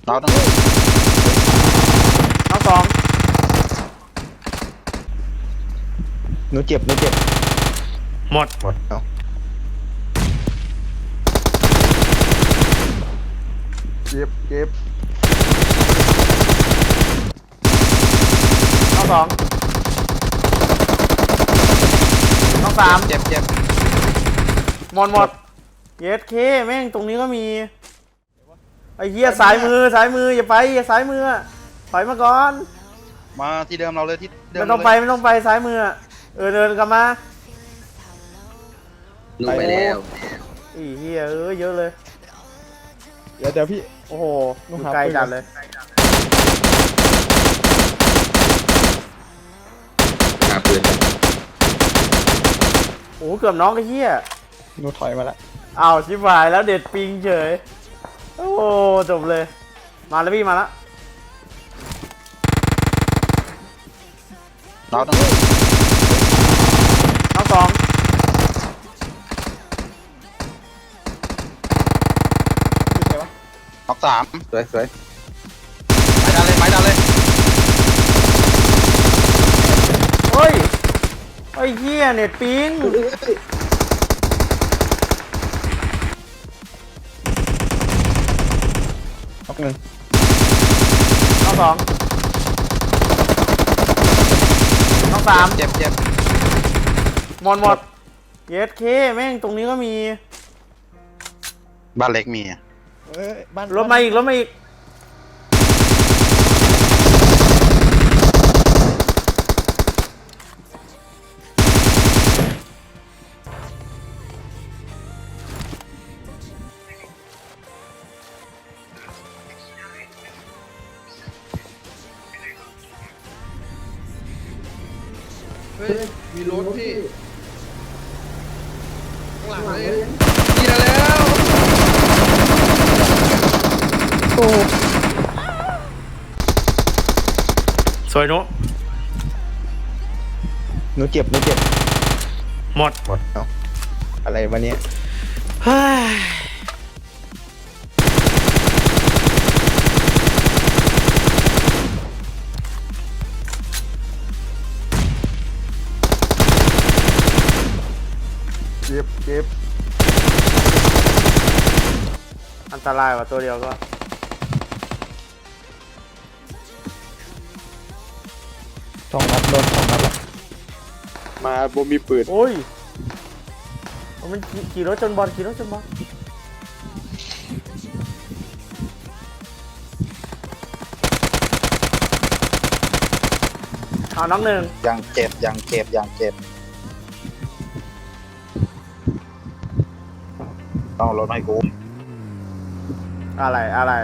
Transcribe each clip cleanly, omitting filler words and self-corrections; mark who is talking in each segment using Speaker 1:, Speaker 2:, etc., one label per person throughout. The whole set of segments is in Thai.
Speaker 1: เราต้อง
Speaker 2: น้องสอง
Speaker 3: หนูเจ็บ
Speaker 2: หมด
Speaker 3: เอาเจ็บ
Speaker 2: น้องสองน้องสาม
Speaker 1: เจ็บ
Speaker 2: หมดเยสเคแม่งตรงนี้ก็มีไอ้เหี้ยสายมืออย่าไปสายมือถอยมาก่อน
Speaker 1: มาที่เดิมเราเลยที่เดิม
Speaker 2: ไม่ต้องไปสายมือเดินกลับมา
Speaker 4: ลงไปแล้ว
Speaker 2: อีเหี้ยเยอะเลย
Speaker 3: เดี๋ยวพี่
Speaker 2: โอ้โหอยู่ไกลจัดเลย
Speaker 4: หาปืน
Speaker 2: โอ้โหเกือบน้องไอ้เหี้ย
Speaker 3: หนูถอยมาละ
Speaker 2: อ้าวชิบหายแล้วเด็ดปิงเฉยโอ้จบเลยมาแล้วพี่มาแล้ว
Speaker 1: เราต้อง
Speaker 2: น้องสอง
Speaker 3: พี่ใครวะ
Speaker 1: น็อกสาม
Speaker 4: สวย
Speaker 1: ไม้ดันเลย
Speaker 2: เฮ้ยไอ้เหี้ยเน็ตปิง
Speaker 3: น็อกหนึ่ง
Speaker 2: น้องสองน้องสาม
Speaker 1: เจ็บ
Speaker 2: หมดเยสเคแม่งตรงนี้ก็มี
Speaker 1: บ้านเล็กมี
Speaker 3: บ้าน
Speaker 2: รถมาอีก
Speaker 4: เฮ้ยมีรถพี่ข้างหลังเลยนี่แล้ว
Speaker 2: สวยนุ
Speaker 3: หนูเจ็บ
Speaker 2: หมด
Speaker 3: เอาอะไรวะเนี่ย
Speaker 2: เฮ้ย
Speaker 3: เจ็บ
Speaker 2: อันตรายกว่าตัวเดียวก็
Speaker 3: 2 นัดโดน2 นัดละมาบ่มีปืน
Speaker 2: โอ้ยมันขี่รถจนบอลเอาน้องหนึ่ง
Speaker 1: ยังเจ็บต้องรถให้กู
Speaker 2: อะไร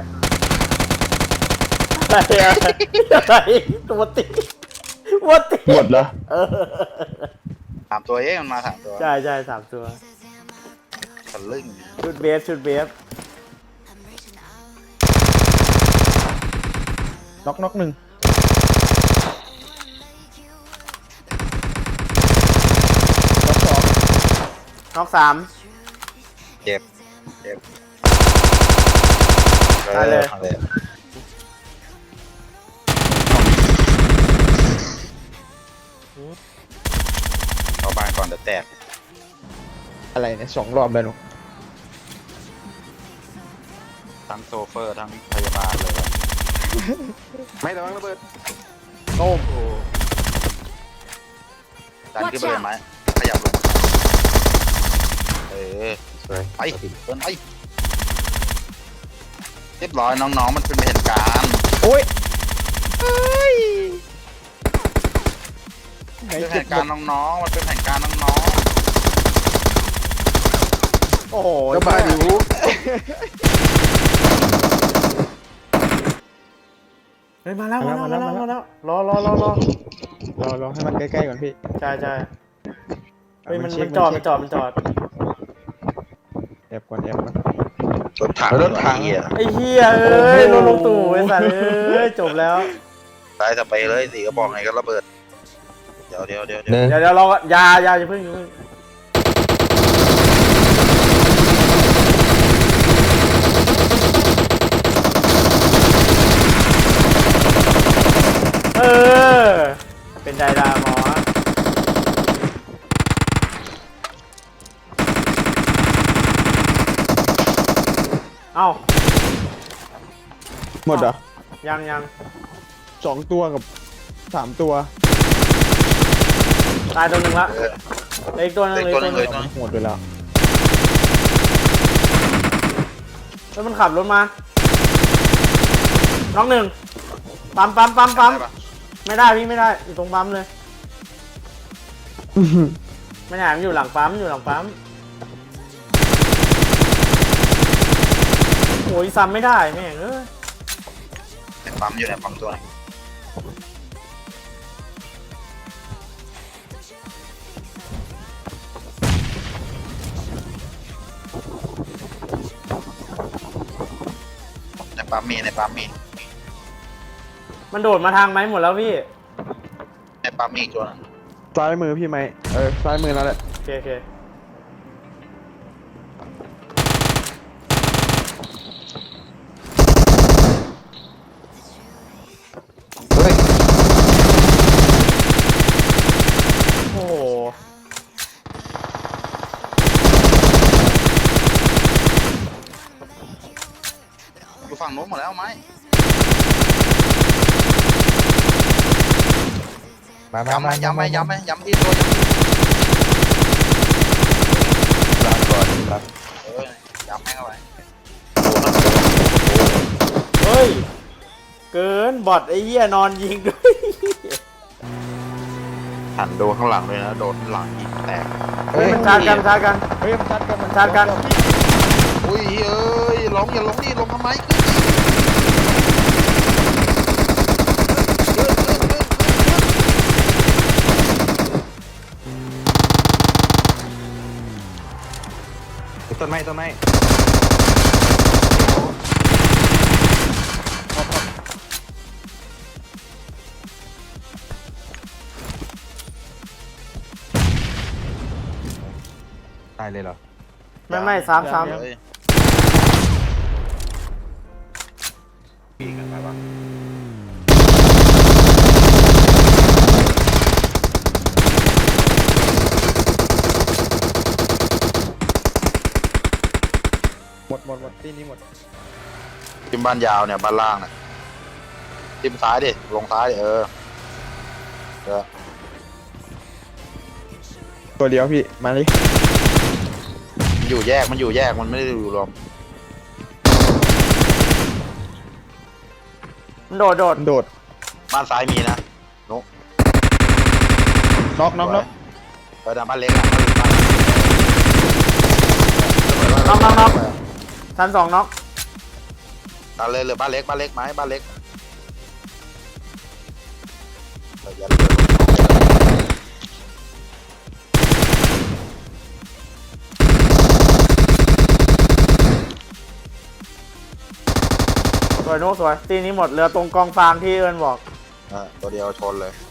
Speaker 2: ตัวติวัดติ
Speaker 3: หมดเหรอ
Speaker 1: ถามตัวมันมาถามตัว
Speaker 2: ใช่3 ตัว
Speaker 1: ทะลึ่ง
Speaker 2: ชุดเบฟ
Speaker 3: น็อกหนึ่งน็อก 2
Speaker 2: น้องสาม
Speaker 1: เจ็บ
Speaker 2: ตายเลย
Speaker 1: เอาบ้านก่อนเดี๋ยวแตก
Speaker 3: อะไรเนี่ย2 รอบเลยหนู
Speaker 1: ทั้งโซเฟอร์ทั้งพยาบาลเลย ไม่ระวังระเบิด
Speaker 2: โต้ม
Speaker 1: ดันขึ้นไปเลยไหมขยับลงสวยไปเดินไปเรียบร้อยน้องๆมันเป็นเหตุการณ์
Speaker 3: โอ้ย
Speaker 1: เป็นแผนการน้องๆมันเป็นแผนการน้อง
Speaker 2: โอ้โห
Speaker 3: ก็มาดู
Speaker 2: เฮ้ยมาแล้วรอ
Speaker 3: รอให้มันใกล้ๆก่อนพี่
Speaker 2: ใช่เฮ้ยมัน
Speaker 3: เช็ค
Speaker 2: จอด
Speaker 3: แอบก่อน
Speaker 1: ๆรถถัง
Speaker 2: ไอ้เหี้ยเอ้ยลงตู่ไอ้สัตว์เอ้ยจบแล้ว
Speaker 1: ตายสเปรย์เลยสีกระบอกไงก็ระเบิดเดี๋ยว
Speaker 2: เดี๋ยวเราอย่าเพิ่งใจดาหมอเอ้า
Speaker 3: หมดเหรอ
Speaker 2: ยัง
Speaker 3: 2 ตัวกับ 3 ตัว
Speaker 2: ตายตัวหนึ่งละ
Speaker 1: เออ
Speaker 2: เหลืออีกตัวหนึง
Speaker 1: เหลืออีกตัวหนึ่ง
Speaker 2: เหลือ
Speaker 3: หมดไปแล้ว
Speaker 2: แล้วมันขับรถมาน้องหนึ่งปั๊ม
Speaker 1: ได้ปะ
Speaker 2: ไม่ได้พี่ไม่ได้อยู่ตรงปั๊มเลยไม่ได้มันอยู่หลังปั๊มโอ้ยซ้ำไม่ได้แม่งเอ้ย
Speaker 1: ในปั๊มอยู่ในปั๊มตัวไหนในปั๊มมี
Speaker 2: มันโดดมาทางไหมหมดแล้วพี่
Speaker 1: ในปั๊มมีอีกตัวหนึง
Speaker 3: ซ้ายมือพี่ไหมซ้ายมือนั่นแหละ
Speaker 2: โอเค
Speaker 1: เฮ้ย
Speaker 2: โอ้โห
Speaker 1: อยู่ฝั่งโน้นหมดแล้วไหม ย้ำไหมที่ตัวย้ำที่ลาก่อนย้ำให้เข้าไป
Speaker 2: เฮ้ยเกินบอทไอ้เหี้ยนอนยิงด้วย
Speaker 1: หันดูข้างหลังเลยนะโดนหลังยิงแตก
Speaker 2: เฮ้ยมันชาร์จกัน
Speaker 3: เฮ้ยมันชัดกัน
Speaker 2: ชาร์จกัน
Speaker 1: อุ้ยเอ้ยร้องอย่าร้องดิร้องทำไมต้นไม้ตายเลยเหรอ
Speaker 2: ไม่ซ้ำ
Speaker 1: เลย ปีกันไปวะ
Speaker 3: หมดที่นี้หมด
Speaker 1: ทิมบ้านยาวเนี่ยบ้านล่างเนี่ยทิมซ้ายดิลงซ้ายดิเออ
Speaker 3: ตัวเดียวพี่มาดิ
Speaker 1: มันอยู่แยกมันไม่ได้อยู่รวม
Speaker 2: มันโดด
Speaker 3: โดด
Speaker 1: บ้านซ้ายมีนะนุ๊ก
Speaker 3: น็อก
Speaker 1: เออบ้านเล็กอ่ะ
Speaker 2: น็อกชั้น 2น็อก
Speaker 1: ตาเลยเหลือบ้านเล็กไหมบ้านเล็กอย่าเลย
Speaker 2: สวยนุ๊กสวยตีนี้หมดเหลือตรงกองฟางที่เอิญบอก
Speaker 1: ตัวเดียวชนเลย